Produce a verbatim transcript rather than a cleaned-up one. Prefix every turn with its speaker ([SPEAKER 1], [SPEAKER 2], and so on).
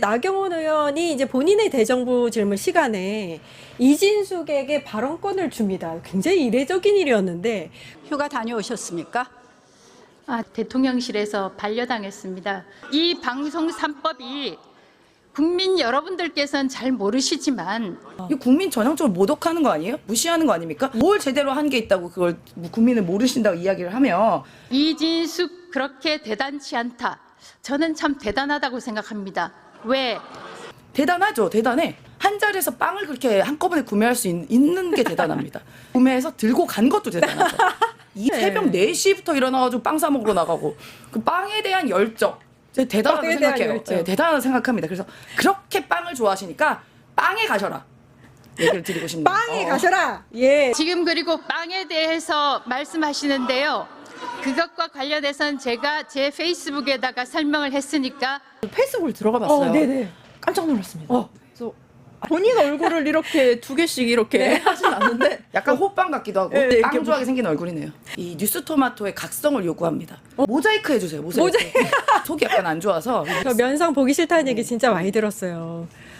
[SPEAKER 1] 나경원 의원이 이제 본인의 대정부 질문 시간에 이진숙에게 발언권을 줍니다. 굉장히 이례적인 일이었는데.
[SPEAKER 2] 휴가 다녀오셨습니까?
[SPEAKER 3] 아, 대통령실에서 반려당했습니다. 이 방송 삼 법이 국민 여러분들께서는 잘 모르시지만
[SPEAKER 4] 이 국민 전형적으로 모독하는 거 아니에요? 무시하는 거 아닙니까? 뭘 제대로 한 게 있다고 그걸 국민을 모르신다고 이야기를 하면
[SPEAKER 3] 이진숙 그렇게 대단치 않다. 저는 참 대단하다고 생각합니다. 왜?
[SPEAKER 4] 대단하죠. 대단해. 한 자리에서 빵을 그렇게 한꺼번에 구매할 수 있, 있는 게 대단합니다. 구매해서 들고 간 것도 대단하죠. 이 새벽 네 시부터 일어나가지고 빵 사 먹으러 나가고 그 빵에 대한 열정 제가 대단하다고
[SPEAKER 1] 빵에 대한
[SPEAKER 4] 생각해요.
[SPEAKER 1] 열정.
[SPEAKER 4] 네, 대단하다고 생각합니다. 그래서 그렇게 빵을 좋아하시니까 빵에 가셔라 얘기를 드리고 싶네요.
[SPEAKER 1] 빵에
[SPEAKER 4] 어.
[SPEAKER 1] 가셔라. 예.
[SPEAKER 3] 지금 그리고 빵에 대해서 말씀하시는데요. 그것과 관련해서는 제가 제 페이스북에다가 설명을 했으니까
[SPEAKER 5] 페이스북을 들어가 봤어요.
[SPEAKER 1] 어, 네네.
[SPEAKER 5] 깜짝 놀랐습니다.
[SPEAKER 1] 어.
[SPEAKER 5] 그래서 본인 얼굴을 이렇게 두 개씩 이렇게 하진 않는데
[SPEAKER 4] 약간 호빵 같기도 하고
[SPEAKER 5] 네, 이렇게
[SPEAKER 4] 빵 좋아하게 생긴 얼굴이네요. 이 뉴스토마토의 각성을 요구합니다. 모자이크 해주세요. 모자이크. 속이 약간 안 좋아서
[SPEAKER 1] 저 면상 보기 싫다는 얘기 진짜 많이 들었어요.